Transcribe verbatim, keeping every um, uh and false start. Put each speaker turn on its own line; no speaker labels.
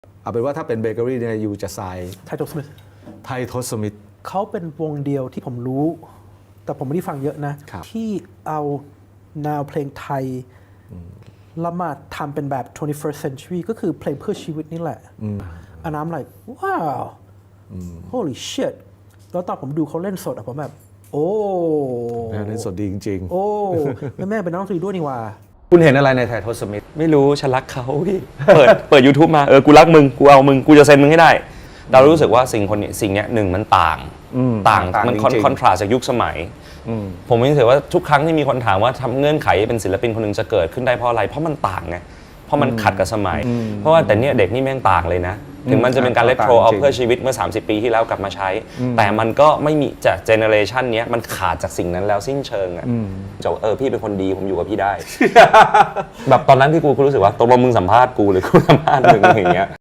เอาเป็นว่าถ้าเป็นเบเกอรี่เนี่ยยูจะทราย
ไทโทสมิธ
ไทโทสมิธ
เขาเป็นวงเดียวที่ผมรู้ แต่ผมไม่ได้ฟังเยอะนะ ที่เอาแนวเพลงไทยแล้วมาทำเป็นแบบ twenty-first century ก็คือเพลงเพื่อชีวิตนี่แหละอันนั้นอะไรว้าว holy shit แล้วตอนผมดูเขาเล่นสดอะผมแบบ โอ้
เล่นสดดีจริงๆ
โอ้แม่แม่เป็นนักดนตรีด้วยนี่ว่า
คุณเห็นอะไรในไทโทสมิธ
ไม่รู้ฉันรักเขาพี่ เปิดเปิด YouTube มาเออกูรักมึงกูเอามึงกูจะเซ็นมึงให้ได้เรารู้สึกว่าสิ่งคนนี้สิ่งนี้หนึ่งมันต่างต่างมันคอนทราสจากยุคสมัยผมรู้สึกว่าทุกครั้งที่มีคนถามว่าทำเงื่อนไขเป็นศิลปินคนหนึ่งจะเกิดขึ้นได้เพราะอะไรเพราะมันต่างไงเพราะมันขัดกับสมัย เพราะว่าแต่เนี่ยเด็กนี่แม่งต่างเลยนะถึงมันจะเป็นการเลโทรเอาเพื่อชีวิตเมื่อสามสิบปีที่แล้วกลับมาใช้แต่มันก็ไม่มีจากเจเนอเรชันนี้มันขาดจากสิ่งนั้นแล้วสิ้นเชิงอ่ะจะเออพี่เป็นคนดีผมอยู่กับพี่ได้ แบบตอนนั้นที่กูรู้สึกว่าตกลงมึงสัมภาษณ์กูหรือกูสัมภาษณ์มึงอย่างเงี้ย